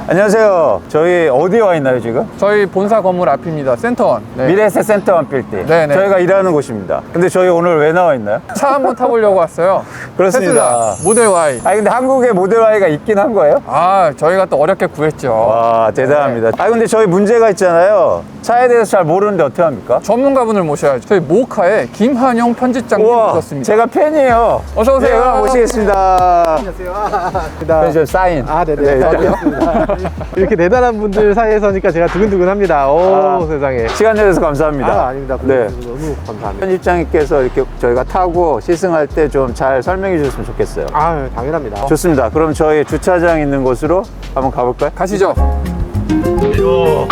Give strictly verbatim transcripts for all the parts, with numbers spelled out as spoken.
안녕하세요. 저희 어디에 와 있나요 지금? 저희 본사 건물 앞입니다. 센터원. 네. 미래에셋 센터원 빌딩. 네네. 저희가 일하는 곳입니다. 근데 저희 오늘 왜 나와 있나요? 차 한번 타보려고 왔어요. 그렇습니다. 테슬라 모델 Y. 아 근데 한국에 모델 Y가 있긴 한 거예요? 아, 저희가 또 어렵게 구했죠. 와 대단합니다. 아 근데 저희 문제가 있잖아요. 차에 대해서 잘 모르는데 어떻게 합니까? 전문가분을 모셔야죠. 저희 모카의 김한용 편집장님 우와, 모셨습니다. 제가 팬이에요. 어서 오세요. 제가 모시겠습니다. 펜션 사인. 아, 네네. 이렇게 대단한 분들 사이에서니까 제가 두근두근합니다. 오, 아, 세상에. 시간 내줘서 감사합니다. 아, 아닙니다. 네. 너무 감사합니다. 편집장님께서 이렇게 저희가 타고 시승할 때 좀 잘 설명해 주셨으면 좋겠어요. 아, 당연합니다. 좋습니다. 그럼 저희 주차장 있는 곳으로 한번 가볼까요? 가시죠. 이거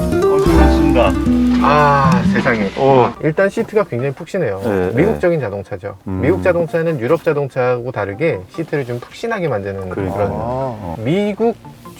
어수선습니다. 아, 세상에. 오. 일단 시트가 굉장히 푹신해요. 네, 미국적인 자동차죠. 음. 미국 자동차는 유럽 자동차하고 다르게 시트를 좀 푹신하게 만드는 그러니까. 그런. 아, 미국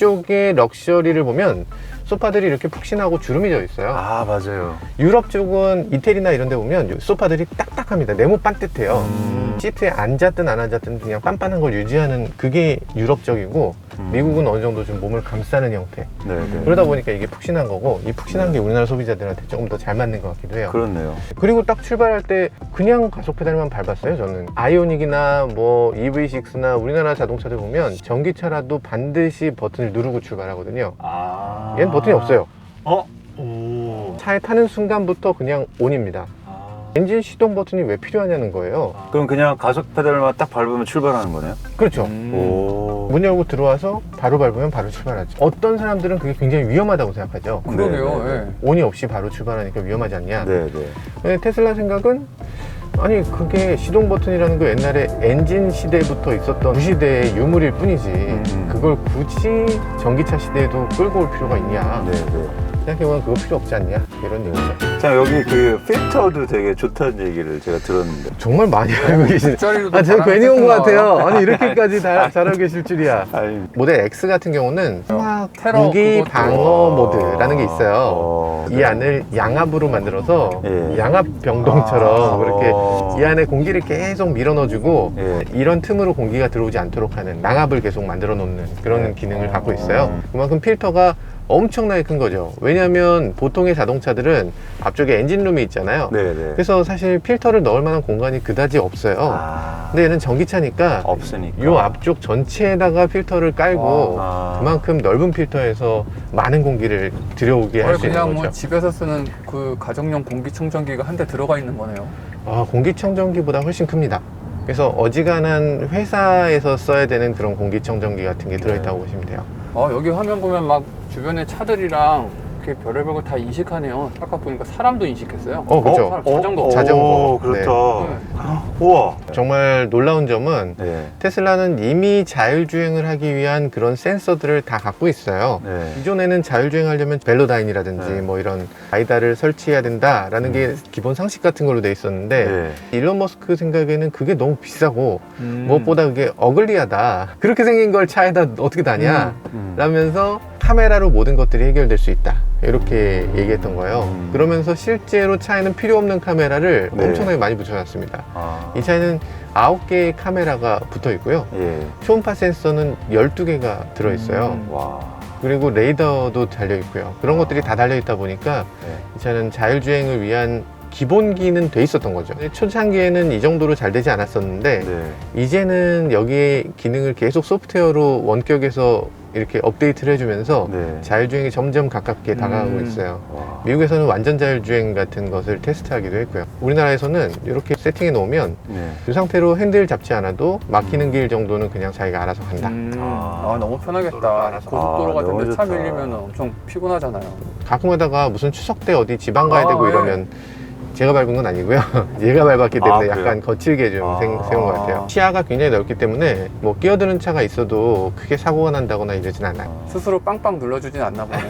쪽의 럭셔리를 보면 소파들이 이렇게 푹신하고 주름이 져 있어요. 아 맞아요. 유럽 쪽은 이태리나 이런 데 보면 소파들이 딱딱합니다. 네모 반듯해요. 음. 시트에 앉았든 안 앉았든 그냥 빤빤한 걸 유지하는 그게 유럽적이고 음. 미국은 어느 정도 좀 몸을 감싸는 형태. 네네. 그러다 보니까 이게 푹신한 거고 이 푹신한 게 우리나라 소비자들한테 조금 더 잘 맞는 것 같기도 해요. 그렇네요. 그리고 딱 출발할 때 그냥 가속 페달만 밟았어요. 저는 아이오닉이나 뭐 이브이식스나 우리나라 자동차들 보면 전기차라도 반드시 버튼을 누르고 출발하거든요. 아. 얘는 버튼이 없어요. 어? 오. 차에 타는 순간부터 그냥 온입니다. 아. 엔진 시동 버튼이 왜 필요하냐는 거예요. 그럼 그냥 가속 페달만 딱 밟으면 출발하는 거네요? 그렇죠. 음. 오. 문 열고 들어와서 바로 밟으면 바로 출발하죠. 어떤 사람들은 그게 굉장히 위험하다고 생각하죠. 그러게요. 네, 네, 예. 온이 없이 바로 출발하니까 위험하지 않냐. 네네. 근데 테슬라 생각은 아니 그게 시동 버튼이라는 거 옛날에 엔진 시대부터 있었던 구시대의 유물일 뿐이지 음. 그걸 굳이 전기차 시대에도 끌고 올 필요가 있냐. 네네. 생각해보면 그거 필요 없지 않냐 이런 얘기죠. 자 여기 그 필터도 되게 좋다는 얘기를 제가 들었는데. 정말 많이 알고 계시네. 뒷자리로도 아, 제가 바람이 괜히 온 것 쐐쐐 같아요. 나와요. 아니 이렇게까지 다 잘하고 계실 줄이야. 아니. 모델 X 같은 경우는 화학 테러 무기 그것도. 방어 모드라는 게 있어요. 어, 이 네. 안을 양압으로 만들어서 예. 양압 병동처럼 아. 그렇게 이 안에 공기를 계속 밀어 넣어주고 예. 이런 틈으로 공기가 들어오지 않도록 하는 양압을 계속 만들어 놓는 그런 네. 기능을 갖고 어. 있어요. 그만큼 필터가 엄청나게 큰 거죠. 왜냐하면 보통의 자동차들은 앞쪽에 엔진룸이 있잖아요. 네네. 그래서 사실 필터를 넣을 만한 공간이 그다지 없어요. 아. 근데 얘는 전기차니까 없으니까. 이 앞쪽 전체에다가 필터를 깔고 아. 그만큼 넓은 필터에서 많은 공기를 들여오게 할 거의 수 있는 그냥 거죠. 뭐 집에서 쓰는 그 가정용 공기청정기가 한 대 들어가 있는 거네요. 아, 공기청정기보다 훨씬 큽니다. 그래서 어지간한 회사에서 써야 되는 그런 공기청정기 같은 게 들어있다고 보시면 돼요. 어, 여기 화면 보면 막 주변에 차들이랑 이렇게 별의별 거 다 인식하네요. 아까 보니까 사람도 인식했어요. 어, 그죠. 사람, 자전거. 자전거. 오, 그렇다. 네. 우와. 정말 놀라운 점은 네. 테슬라는 이미 자율주행을 하기 위한 그런 센서들을 다 갖고 있어요. 네. 기존에는 자율주행하려면 벨로다인이라든지 네. 뭐 이런 아이다를 설치해야 된다라는 게 기본 상식 같은 걸로 돼 있었는데 네. 일론 머스크 생각에는 그게 너무 비싸고 음. 무엇보다 그게 어글리하다. 그렇게 생긴 걸 차에다 어떻게 다냐? 음. 라면서 카메라로 모든 것들이 해결될 수 있다. 이렇게 얘기했던 거예요. 음. 그러면서 실제로 차에는 필요 없는 카메라를 네. 엄청나게 많이 붙여놨습니다. 아. 이 차에는 아홉 개의 카메라가 붙어 있고요. 예. 초음파 센서는 열두 개가 들어있어요. 음. 와. 그리고 레이더도 달려 있고요. 그런 것들이 다 달려 있다 보니까 네. 이 차는 자율주행을 위한 기본기는 돼 있었던 거죠. 초창기에는 이 정도로 잘 되지 않았었는데 네. 이제는 여기에 기능을 계속 소프트웨어로 원격에서 이렇게 업데이트를 해주면서 네. 자율주행이 점점 가깝게 다가가고 음. 있어요. 와. 미국에서는 완전 자율주행 같은 것을 테스트하기도 했고요. 우리나라에서는 이렇게 세팅해 놓으면 네. 이 상태로 핸들 잡지 않아도 막히는 길 정도는 그냥 자기가 알아서 간다. 음. 아. 아, 너무 편하겠다. 고속도로 아, 같은 너무 데 차 좋다. 밀리면 엄청 피곤하잖아요. 가끔 하다가 무슨 추석 때 어디 지방 가야 아, 되고 네. 이러면 제가 밟은 건 아니고요. 얘가 밟았기 때문에 아, 그래요? 약간 거칠게 좀 아. 생, 세운 것 같아요. 시야가 굉장히 넓기 때문에 뭐 끼어드는 차가 있어도 크게 사고가 난다거나 이러진 않아요. 스스로 빵빵 눌러주진 않나 보네.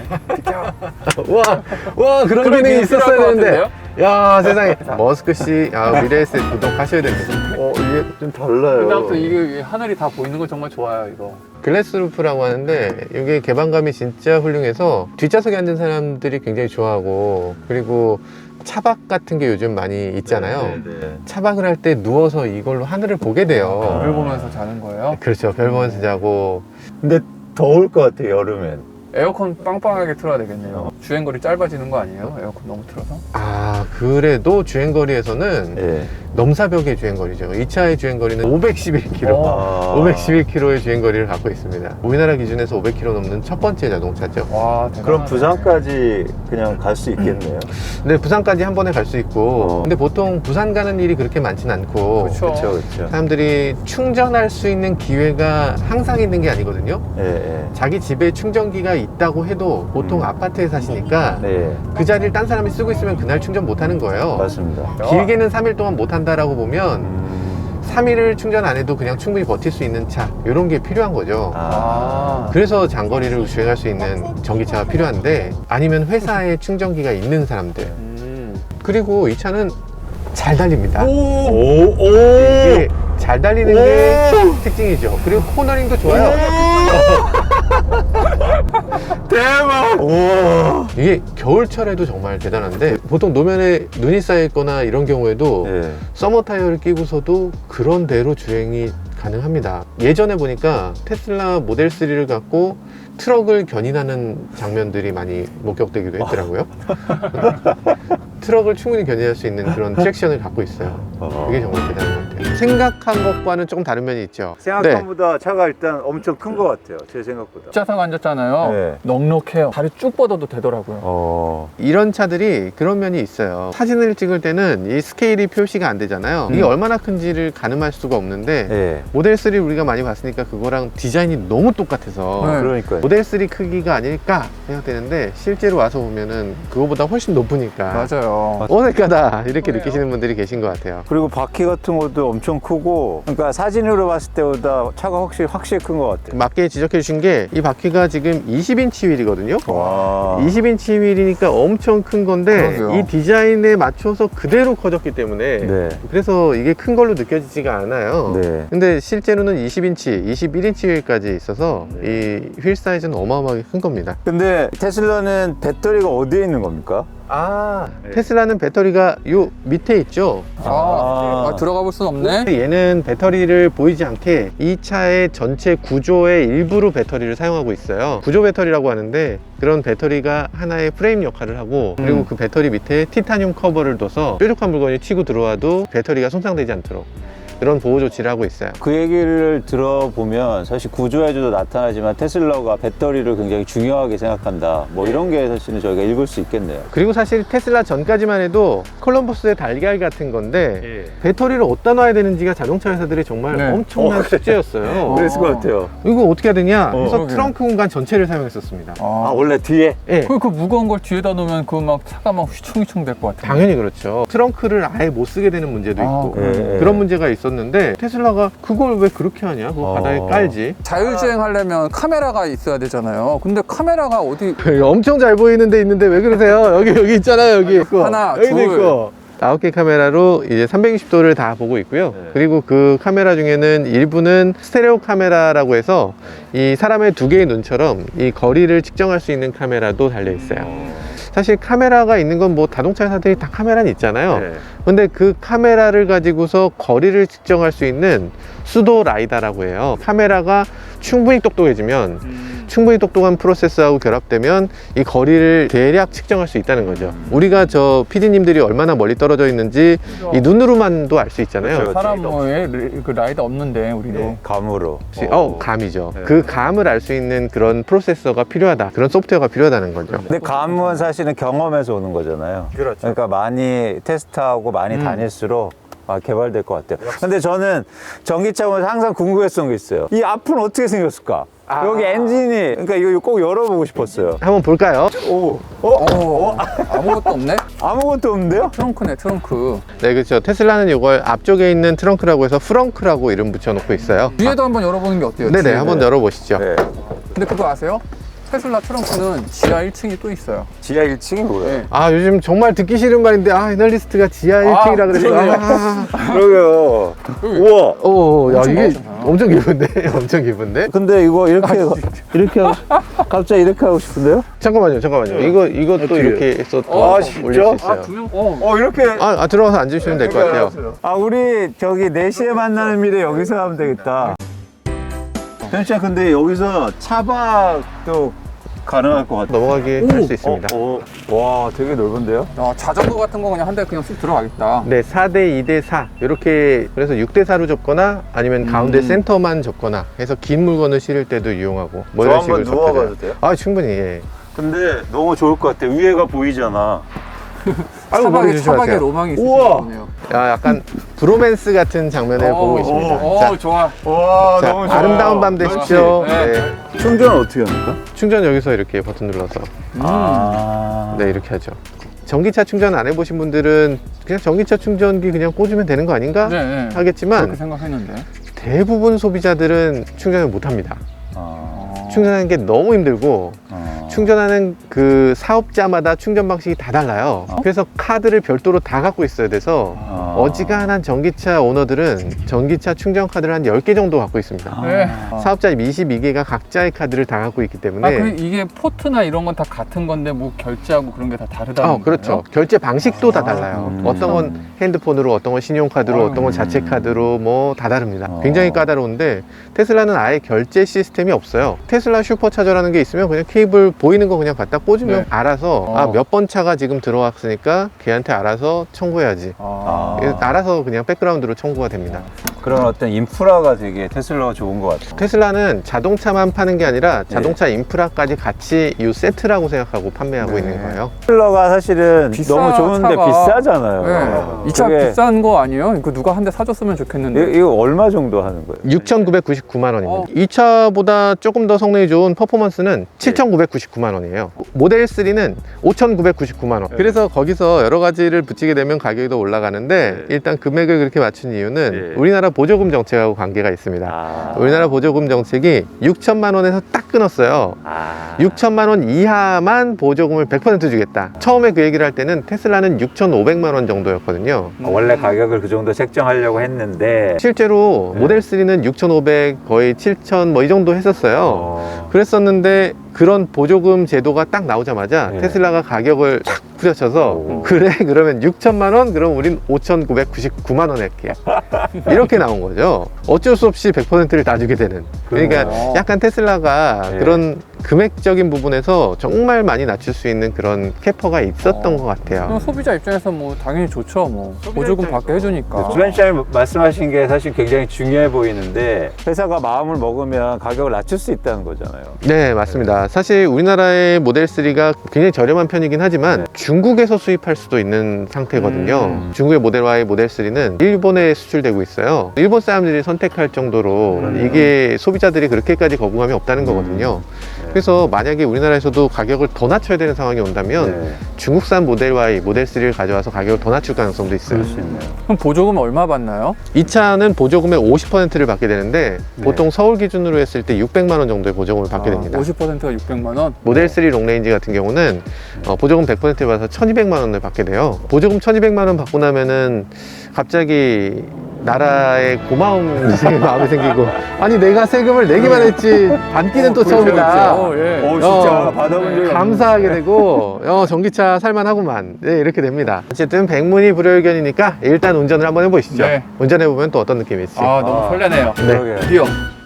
와, 와 그런 그런 기능이 기능 있었어야 필요할 것 되는데. 야 세상에. 머스크 씨, 아, 미래에셋 구독하셔야 됩니다. 어, 이게 좀 달라요. 그다음부터 이게 하늘이 다 보이는 거 정말 좋아요, 이거. 글래스루프라고 하는데 이게 개방감이 진짜 훌륭해서 뒷좌석에 앉은 사람들이 굉장히 좋아하고 그리고 차박 같은 게 요즘 많이 있잖아요. 네, 네, 네. 차박을 할 때 누워서 이걸로 하늘을 보게 돼요. 별 보면서 자는 거예요? 그렇죠. 별 보면서 자고. 근데 더울 것 같아, 여름엔. 에어컨 빵빵하게 틀어야 되겠네요. 주행거리 짧아지는 거 아니에요? 에어컨 너무 틀어서? 아, 그래도 주행거리에서는 예. 넘사벽의 주행거리죠. 이 차의 주행거리는 오백십일 킬로미터. 아. 오백십일 킬로미터의 주행거리를 갖고 있습니다. 우리나라 기준에서 오백 킬로미터 넘는 첫 번째 자동차죠. 와, 대단하네. 그럼 부산까지 그냥 갈 수 있겠네요. 근데 부산까지 한 번에 갈 수 있고, 어. 근데 보통 부산 가는 일이 그렇게 많진 않고, 그쵸. 그렇죠, 그렇죠. 사람들이 충전할 수 있는 기회가 항상 있는 게 아니거든요. 예, 예. 자기 집에 충전기가 있다고 해도 보통 음. 아파트에 사시니까 네, 그 자리를 딴 사람이 쓰고 있으면 그날 충전 못 하는 거예요. 맞습니다. 길게는 삼 일 동안 못 한다라고 보면 음. 삼 일을 충전 안 해도 그냥 충분히 버틸 수 있는 차, 이런 게 필요한 거죠. 아. 그래서 장거리를 주행할 수 있는 전기차가 필요한데, 아니면 회사에 충전기가 있는 사람들. 음. 그리고 이 차는 잘 달립니다. 오, 오, 오. 이게 잘 달리는 게 특징이죠. 그리고 코너링도 좋아요. 대박! 우와. 이게 겨울철에도 정말 대단한데, 보통 노면에 눈이 쌓여있거나 이런 경우에도 예. 서머 타이어를 끼고서도 그런 대로 주행이 가능합니다. 예전에 보니까 테슬라 모델 쓰리를 갖고 트럭을 견인하는 장면들이 많이 목격되기도 했더라고요. 트럭을 충분히 견인할 수 있는 그런 트랙션을 갖고 있어요. 그게 정말 대단한 것 같아요. 생각한 것과는 조금 다른 면이 있죠. 생각한 네. 보다 차가 일단 엄청 큰 것 같아요. 제 생각보다. 뒷좌석 앉았잖아요. 네. 넉넉해요. 다리 쭉 뻗어도 되더라고요. 어. 이런 차들이 그런 면이 있어요. 사진을 찍을 때는 이 스케일이 표시가 안 되잖아요. 이게 음. 얼마나 큰지를 가늠할 수가 없는데, 예. 모델 쓰리 우리가 많이 봤으니까 그거랑 디자인이 너무 똑같아서 네. 그러니까요. 모델 쓰리 크기가 아닐까 생각되는데, 실제로 와서 보면은 그거보다 훨씬 높으니까 맞아요. 어색하다 이렇게 느끼시는 분들이 계신 것 같아요. 그리고 바퀴 같은 것도 엄청 크고, 그러니까 사진으로 봤을 때보다 차가 확실히 확실히 큰 것 같아요. 맞게 지적해 주신 게, 이 바퀴가 지금 이십 인치 휠이거든요. 와. 이십 인치 휠이니까 엄청 큰 건데, 그러게요. 이 디자인에 맞춰서 그대로 커졌기 때문에 네. 그래서 이게 큰 걸로 느껴지지가 않아요. 네. 근데 실제로는 이십 인치, 이십일 인치 휠까지 있어서 이 휠 사이즈는 어마어마하게 큰 겁니다. 근데 테슬라는 배터리가 어디에 있는 겁니까? 아, 네. 테슬라는 배터리가 요 밑에 있죠. 아, 아, 들어가 볼 순 없네. 얘는 배터리를 보이지 않게 이 차의 전체 구조의 일부로 배터리를 사용하고 있어요. 구조 배터리라고 하는데, 그런 배터리가 하나의 프레임 역할을 하고, 그리고 음. 그 배터리 밑에 티타늄 커버를 둬서 뾰족한 물건이 튀고 들어와도 배터리가 손상되지 않도록 그런 보호 조치를 하고 있어요. 그 얘기를 들어보면 사실 구조에도 나타나지만 테슬라가 배터리를 굉장히 중요하게 생각한다. 뭐 이런 게 사실은 저희가 읽을 수 있겠네요. 그리고 사실 테슬라 전까지만 해도 콜럼버스의 달걀 같은 건데, 배터리를 어디다 놔야 되는지가 자동차 회사들이 정말 네. 엄청난 어, 그래. 숙제였어요. 그랬을 것 같아요. 이거 어떻게 해야 되냐 어. 해서 그러게요. 트렁크 공간 전체를 사용했었습니다. 아, 아, 원래 뒤에? 예. 그, 그 무거운 걸 뒤에다 놓으면 그 막 차가 막 휘청휘청 될 것 같아요. 당연히 그렇죠. 트렁크를 아예 못 쓰게 되는 문제도 아, 있고, 예, 예. 그런 문제가 있었는데, 테슬라가 그걸 왜 그렇게 하냐, 그거 어. 바닥에 깔지. 자율주행 하려면 카메라가 있어야 되잖아요. 근데 카메라가 어디 엄청 잘 보이는 데 있는데 왜 그러세요? 여기 여기 있잖아요. 여기 있고, 하나, 여기도 둘. 있고. 아홉 개 카메라로 이제 삼백육십 도를 다 보고 있고요. 네. 그리고 그 카메라 중에는 일부는 스테레오 카메라라고 해서 이 사람의 두 개의 눈처럼 이 거리를 측정할 수 있는 카메라도 달려 있어요. 사실 카메라가 있는 건 뭐 자동차 회사들이 다 카메라는 있잖아요. 네. 근데 그 카메라를 가지고서 거리를 측정할 수 있는 수도 라이다라고 해요. 카메라가 충분히 똑똑해지면, 충분히 똑똑한 프로세스하고 결합되면 이 거리를 대략 측정할 수 있다는 거죠. 우리가 저 피디님들이 얼마나 멀리 떨어져 있는지 이 눈으로만도 알 수 있잖아요. 그렇죠. 사람 뭐에 그 라이더 없는데 우리도 네, 감으로. 혹시- 어, 감이죠. 네. 그 감을 알 수 있는 그런 프로세서가 필요하다. 그런 소프트웨어가 필요하다는 거죠. 근데 감은 사실은 경험에서 오는 거잖아요. 그렇죠. 그러니까 많이 테스트하고 많이 음. 다닐수록 아, 개발될 것 같아요. 근데 저는 전기차 보면서 항상 궁금했던 게 있어요. 이 앞은 어떻게 생겼을까? 아. 여기 엔진이, 그러니까 이거 꼭 열어보고 싶었어요. 한번 볼까요? 오, 어? 어, 아무것도 없네? 아무것도 없는데요? 트렁크네, 트렁크. 네, 그렇죠. 테슬라는 이걸 앞쪽에 있는 트렁크라고 해서 프렁크라고 이름 붙여놓고 있어요. 뒤에도 한번 열어보는 게 어때요? 네네, 뒤에? 한번 열어보시죠. 네. 근데 그거 아세요? 테슬라 트렁크는 지하 일 층이 또 있어요. 지하 일 층이 뭐예요? 네. 아, 요즘 정말 듣기 싫은 말인데, 아, 애널리스트가 지하 일 층이라 그래서. 그러네요. 아, 그러게요. 우와. 오, 야, 엄청 이게 나오잖아. 엄청 기쁜데? 엄청 기쁜데? 근데 이거 이렇게, 이렇게, 하고, 갑자기 이렇게 하고 싶은데요? 잠깐만요, 잠깐만요. 이거, 이것도 어떻게 이렇게 해서 또 아, 올릴 진짜? 수 있어요. 두 명? 어. 어, 이렇게. 아, 아, 들어가서 앉으시면 될 것 같아요. 아, 우리 저기 네 시에 만나는 미래 여기서 하면 되겠다. 현씨야, 근데 여기서 차박도 가능할 것 같아. 넘어가게 할 수 있습니다. 어, 어. 와, 되게 넓은데요? 야, 자전거 같은 거 그냥 한 대 그냥 쑥 들어가겠다. 네, 사 대 이 대 사 이렇게 그래서 육 대 사로 접거나 아니면 가운데 음. 센터만 접거나 해서 긴 물건을 실을 때도 유용하고 뭐 저 이런 한번 식으로 누워봐도 접혀져요. 돼요? 아, 충분히. 예. 근데 너무 좋을 것 같아. 위에가 보이잖아. 아이고, 머리 차박에, 조심하세요. 차박에 로망이 우와. 있으시나 보네요. 야, 약간 브로맨스 같은 장면을 보고 있습니다. 오, 자, 좋아. 와, 자, 아름다운 밤 되십시오. 그렇지. 네. 네. 충전은 어떻게 합니까? 충전 여기서 이렇게 버튼 눌러서 음. 아. 네, 이렇게 하죠. 전기차 충전 안 해보신 분들은 그냥 전기차 충전기 그냥 꽂으면 되는 거 아닌가 네, 네. 하겠지만 그렇게 생각했는데. 대부분 소비자들은 충전을 못 합니다. 아. 충전하는 게 너무 힘들고 아. 충전하는 그 사업자마다 충전 방식이 다 달라요. 어? 그래서 카드를 별도로 다 갖고 있어야 돼서 아. 어지간한 전기차 오너들은 전기차 충전 카드를 한 열 개 정도 갖고 있습니다. 네. 사업자 이십이 개가 각자의 카드를 다 갖고 있기 때문에 아, 그럼 이게 포트나 이런 건 다 같은 건데 뭐 결제하고 그런 게 다 다르다는 아, 그렇죠. 거예요? 결제 방식도 다 달라요. 음. 어떤 건 핸드폰으로, 어떤 건 신용카드로, 아유. 어떤 건 자체 카드로 뭐 다 다릅니다. 어. 굉장히 까다로운데 테슬라는 아예 결제 시스템이 없어요. 테슬라 슈퍼차저라는 게 있으면 그냥 케이블 보이는 거 그냥 갖다 꽂으면 네. 알아서 어. 아, 몇 번 차가 지금 들어왔으니까 걔한테 알아서 청구해야지. 아. 그래서 알아서 그냥 백그라운드로 청구가 됩니다. 그런 어떤 인프라가 되게 테슬라가 좋은 것 같아요. 테슬라는 자동차만 파는 게 아니라 자동차 인프라까지 같이 이 세트라고 생각하고 판매하고 네. 있는 거예요. 테슬라가 사실은 비싸, 너무 좋은데 차가. 비싸잖아요. 네. 이 차 그게- 비싼 거 아니에요? 이거 누가 한 대 사줬으면 좋겠는데. 이- 이거 얼마 정도 하는 거예요? 육천구백구십구만 원입니다. 어. 이 차보다 조금 더 성능이 좋은 퍼포먼스는 칠천구백구십구만 원이에요. 모델 쓰리는 오천구백구십구만 원. 그래서 거기서 여러 가지를 붙이게 되면 가격이 더 올라가는데 네. 일단 금액을 그렇게 맞춘 이유는 네. 우리나라 보조금 정책하고 관계가 있습니다. 아. 우리나라 보조금 정책이 육천만 원에서 딱 끊었어요. 아. 육천만 원 이하만 보조금을 백 퍼센트 주겠다. 처음에 그 얘기를 할 때는 테슬라는 육천오백만 원 정도였거든요. 어, 원래 가격을 그 정도 책정하려고 했는데 실제로 네. 모델 쓰리는 육천오백 거의 칠천 뭐 이 정도 했었어요. 어. 그랬었는데 그런 보조금 제도가 딱 나오자마자 네. 테슬라가 가격을 탁 후려쳐서 오. 그래 그러면 육천만 원 그럼 우린 오천구백구십구만 원 할게 이렇게 나온 거죠. 어쩔 수 없이 백 퍼센트를 다 주게 되는. 그러니까 그래요? 약간 테슬라가 네. 그런 금액적인 부분에서 정말 많이 낮출 수 있는 그런 캐퍼가 있었던 어. 것 같아요. 그럼 소비자 입장에서 뭐 당연히 좋죠. 뭐 소비자 보조금 입장에서- 받게 해주니까. 주변시장님 말씀하신 게 사실 굉장히 중요해 보이는데 회사가 마음을 먹으면 가격을 낮출 수 있다는 거잖아요. 네, 맞습니다. 사실 우리나라의 모델 쓰리가 굉장히 저렴한 편이긴 하지만 네. 중국에서 수입할 수도 있는 상태거든요. 음. 중국의 모델 Y, 모델 쓰리는 일본에 수출되고 있어요. 일본 사람들이 선택할 정도로 그러네요. 이게 소비자들이 그렇게까지 거부감이 없다는 거거든요. 네. 그래서 만약에 우리나라에서도 가격을 더 낮춰야 되는 상황이 온다면 네. 중국산 모델 Y, 모델 쓰리를 가져와서 가격을 더 낮출 가능성도 있어요. 그럴 수 있네요. 그럼 보조금 얼마 받나요? 이 차는 보조금의 오십 퍼센트를 받게 되는데 네. 보통 서울 기준으로 했을 때 육백만 원 정도의 보조금을 받게 아, 됩니다. 오십 퍼센트가 육백만 원? 모델 쓰리 롱레인지 같은 경우는 어, 보조금 백 퍼센트를 받아서 천이백만 원을 받게 돼요. 보조금 천이백만 원 받고 나면은 갑자기 나라에 고마움 마음이 생기고 아니 내가 세금을 내기만 했지 받기는 또 처음이다. 어, 예. 어, 진짜 어, 받아본 적이 감사하게 되고 어, 전기차 살만하고만 네, 이렇게 됩니다. 어쨌든 백문이 불여일견이니까 일단 운전을 한번 해보시죠. 네. 운전해보면 또 어떤 느낌이 있을지. 아, 너무 아. 설레네요. 네. 그러게요. 드디어.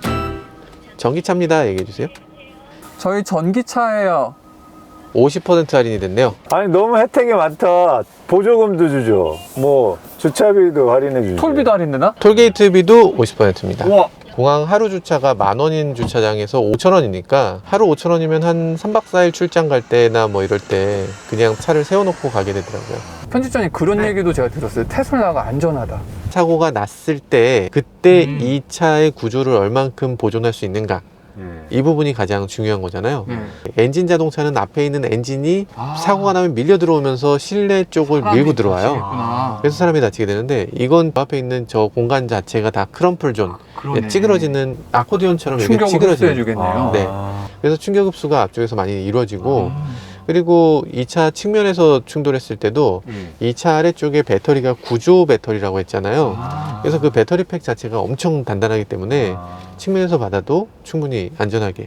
전기차입니다. 얘기해주세요. 저희 전기차예요. 오십 퍼센트 할인이 됐네요. 아니 너무 혜택이 많다. 보조금도 주죠. 뭐 주차비도 할인해 주죠. 톨비도 할인되나? 톨게이트비도 오십 퍼센트입니다. 우와. 공항 하루 주차가 만 원인 주차장에서 오천 원이니까 하루 오천 원이면 한 삼 박 사 일 출장 갈 때나 뭐 이럴 때 그냥 차를 세워놓고 가게 되더라고요. 편집장님 그런 얘기도 제가 들었어요. 테슬라가 안전하다. 사고가 났을 때 그때 음. 이 차의 구조를 얼만큼 보존할 수 있는가 예. 이 부분이 가장 중요한 거잖아요. 음. 엔진 자동차는 앞에 있는 엔진이 아. 사고가 나면 밀려 들어오면서 실내 쪽을 밀고 들어와요. 다치겠구나. 그래서 사람이 다치게 되는데 이건 앞에 있는 저 공간 자체가 다 크럼플 존, 그러네. 찌그러지는 아코디언처럼 이렇게 충격을 찌그러지는. 흡수해주겠네요. 네. 그래서 충격 흡수가 앞쪽에서 많이 이루어지고 아. 그리고 이 차 측면에서 충돌했을 때도 음. 이 차 아래쪽에 배터리가 구조 배터리라고 했잖아요. 아. 그래서 그 배터리 팩 자체가 엄청 단단하기 때문에 아. 측면에서 받아도 충분히 안전하게.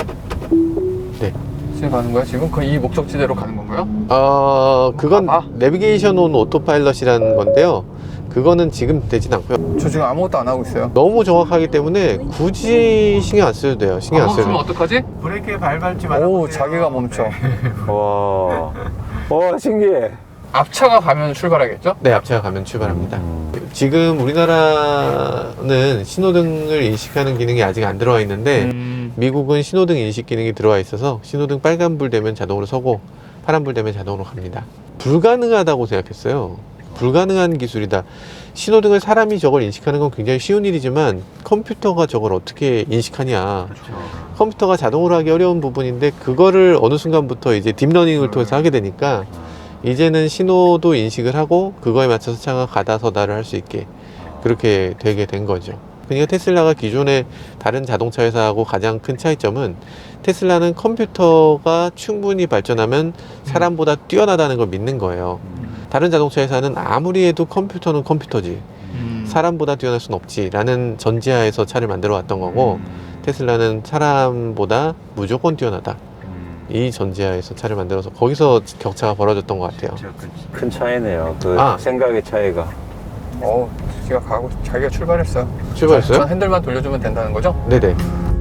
네. 지금 가는 거야? 지금 그 이 목적지대로 가는 건가요? 어, 그건 가봐. 내비게이션 온 오토파일럿이라는 건데요. 그거는 지금 되진 않고요. 저 지금 아무것도 안 하고 있어요. 너무 정확하기 때문에 굳이 신경 안 써도 돼요. 신경 안 안 써도 멈추면 돼요. 어떡하지? 브레이크에 발 밟지 오, 자기가 멈춰. 와. 와, 신기해. 앞차가 가면 출발하겠죠? 네, 앞차가 가면 출발합니다. 지금 우리나라는 신호등을 인식하는 기능이 아직 안 들어와 있는데 음. 미국은 신호등 인식 기능이 들어와 있어서 신호등 빨간불 되면 자동으로 서고 파란불 되면 자동으로 갑니다. 불가능하다고 생각했어요. 불가능한 기술이다. 신호등을 사람이 저걸 인식하는 건 굉장히 쉬운 일이지만 컴퓨터가 저걸 어떻게 인식하냐. 컴퓨터가 자동으로 하기 어려운 부분인데 그거를 어느 순간부터 이제 딥러닝을 통해서 하게 되니까 이제는 신호도 인식을 하고 그거에 맞춰서 차가 가다 서다를 할 수 있게 그렇게 되게 된 거죠. 그러니까 테슬라가 기존의 다른 자동차 회사하고 가장 큰 차이점은 테슬라는 컴퓨터가 충분히 발전하면 사람보다 뛰어나다는 걸 믿는 거예요. 다른 자동차 회사는 아무리 해도 컴퓨터는 컴퓨터지 음. 사람보다 뛰어날 순 없지 라는 전제하에서 차를 만들어 왔던 거고 테슬라는 사람보다 무조건 뛰어나다 이 전제하에서 차를 만들어서 거기서 격차가 벌어졌던 것 같아요. 큰 차이네요. 그 아. 생각의 차이가. 어, 자기가 가고 자기가 출발했어요. 출발했어요? 전 핸들만 돌려주면 된다는 거죠? 네네.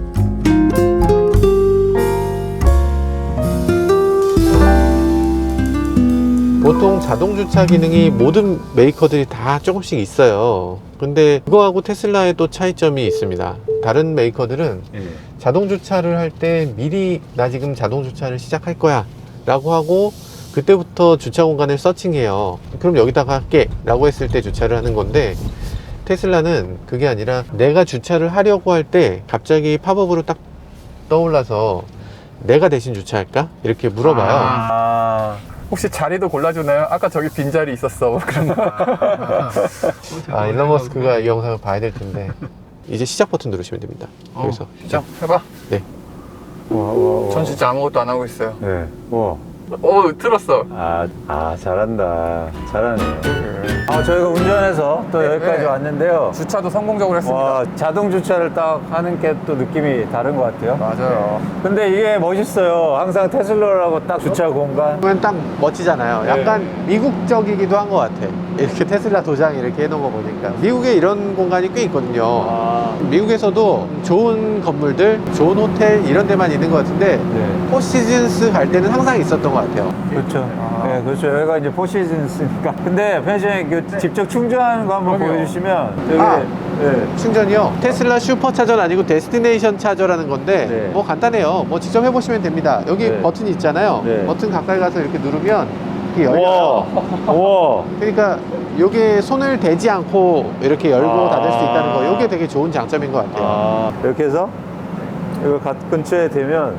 보통 자동 주차 기능이 모든 메이커들이 다 조금씩 있어요. 근데 그거하고 테슬라의 또 차이점이 있습니다. 다른 메이커들은 예. 자동 주차를 할 때 미리 나 지금 자동 주차를 시작할 거야 라고 하고 그때부터 주차 공간을 서칭해요. 그럼 여기다가 할게 라고 했을 때 주차를 하는 건데 테슬라는 그게 아니라 내가 주차를 하려고 할 때 갑자기 팝업으로 딱 떠올라서 내가 대신 주차할까? 이렇게 물어봐요. 아. 혹시 자리도 골라주나요? 아까 저기 빈자리 있었어. 그런 거. 아, 일론 머스크가 이 영상을 봐야 될 텐데. 이제 시작 버튼 누르시면 됩니다. 어, 여기서. 시작 해봐. 네. 와, 와, 와. 전 진짜 아무것도 안 하고 있어요. 네. 와. 오, 틀었어. 아, 아, 잘한다. 잘하네. 아, 저희가 운전해서 또 네, 여기까지 네. 왔는데요. 주차도 성공적으로 했습니다. 와, 자동 주차를 딱 하는 게 또 느낌이 다른 것 같아요. 맞아요. 근데 이게 멋있어요. 항상 테슬라라고 딱 주차 공간. 보면 딱 멋지잖아요. 약간 미국적이기도 한 것 같아. 이렇게 테슬라 도장 이렇게 해놓은 거 보니까. 미국에 이런 공간이 꽤 있거든요. 아, 미국에서도 좋은 건물들, 좋은 호텔 이런 데만 있는 것 같은데 네. 포시즌스 갈 때는 항상 있었던 것 같아요. 그렇죠. 아. 네, 그렇죠. 여기가 이제 포시즌스니까. 근데 편의점에 그 직접 충전하는 거 한번 그럼요. 보여주시면 여기 아. 네. 충전이요. 테슬라 슈퍼차저는 아니고 데스티네이션 차저라는 건데 네. 뭐 간단해요. 뭐 직접 해보시면 됩니다. 여기 네. 버튼이 있잖아요. 네. 버튼 가까이 가서 이렇게 누르면 이렇게 우와. 열려요. 우와. 그러니까 이게 손을 대지 않고 이렇게 열고 아. 닫을 수 있다는 거 이게 되게 좋은 장점인 것 같아요. 아, 이렇게 해서 이거 갓 근처에 되면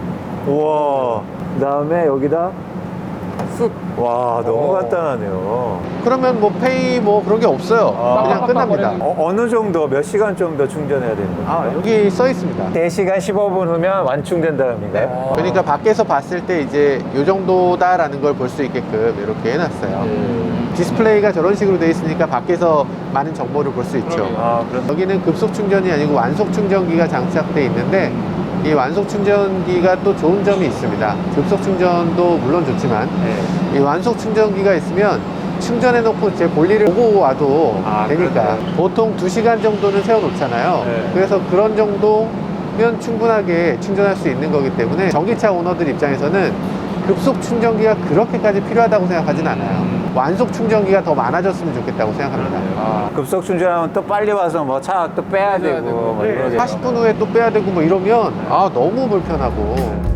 우와. 그 다음에 여기다 쑥. 와, 너무 어. 간단하네요. 그러면 뭐 페이 뭐 그런 게 없어요. 아. 그냥 끝납니다. 어, 어느 정도, 몇 시간 정도 충전해야 되는 거예요? 아, 여기 써 있습니다. 네 시간 십오 분 후면 완충된다는 의미인가요? 어. 그러니까 밖에서 봤을 때 이제 요 정도다라는 걸 볼 수 있게끔 이렇게 해놨어요. 음. 디스플레이가 저런 식으로 돼 있으니까 밖에서 많은 정보를 볼 수 있죠. 그럼요. 아, 그렇 여기는 급속 충전이 아니고 완속 충전기가 장착돼 있는데 이 완속 충전기가 또 좋은 점이 있습니다. 급속 충전도 물론 좋지만 네. 이 완속 충전기가 있으면 충전해 놓고 제 볼일을 보고 와도 아, 되니까 그러네. 보통 두 시간 정도는 세워 놓잖아요. 네. 그래서 그런 정도면 충분하게 충전할 수 있는 거기 때문에 전기차 오너들 입장에서는 급속 충전기가 그렇게까지 필요하다고 생각하진 않아요. 완속 충전기가 더 많아졌으면 좋겠다고 생각합니다. 아, 급속 충전하면 또 빨리 와서 뭐 차 또 빼야 빼야 되고 되고. 뭐 네. 이러죠. 사십 분 후에 또 빼야 되고 뭐 이러면 아 너무 불편하고.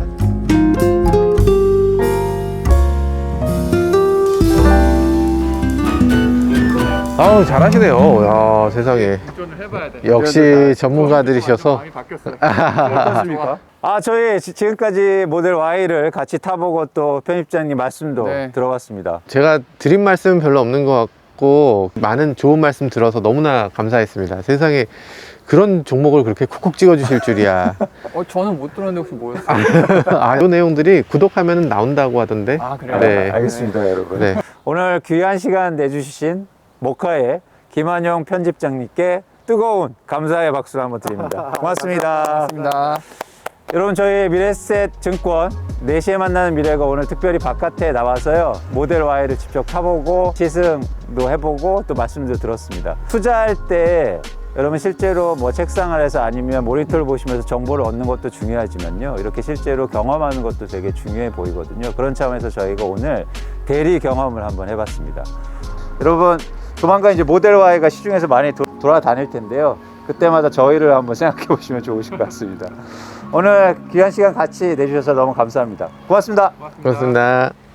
아우 잘하시네요. 야 세상에 운전을 해봐야 돼. 역시 전문가들이셔서. 많이 바뀌었어요. 어떻습니까? 아, 저희 지- 지금까지 모델 Y를 같이 타보고 또 편집장님 말씀도 네. 들어봤습니다. 제가 드린 말씀은 별로 없는 것 같고 많은 좋은 말씀 들어서 너무나 감사했습니다. 세상에 그런 종목을 그렇게 콕콕 찍어주실 줄이야. 어, 저는 못 들었는데 혹시 뭐였어요? 아, 이 내용들이 구독하면 나온다고 하던데. 아, 그래요? 네. 알겠습니다, 여러분. 네. 오늘 귀한 시간 내주신 모카의 김한용 편집장님께 뜨거운 감사의 박수 한번 드립니다. 고맙습니다. 고맙습니다. 여러분, 저희 미래셋 증권 네 시에 만나는 미래가 오늘 특별히 바깥에 나와서요, 모델 Y를 직접 타보고 시승도 해보고 또 말씀도 들었습니다. 투자할 때 여러분 실제로 뭐 책상 아래서 아니면 모니터를 보시면서 정보를 얻는 것도 중요하지만요, 이렇게 실제로 경험하는 것도 되게 중요해 보이거든요. 그런 차원에서 저희가 오늘 대리 경험을 한번 해봤습니다. 여러분, 조만간 이제 모델 Y가 시중에서 많이 도, 돌아다닐 텐데요, 그때마다 저희를 한번 생각해 보시면 좋으실 것 같습니다. 오늘 귀한 시간 같이 내주셔서 너무 감사합니다. 고맙습니다. 그렇습니다.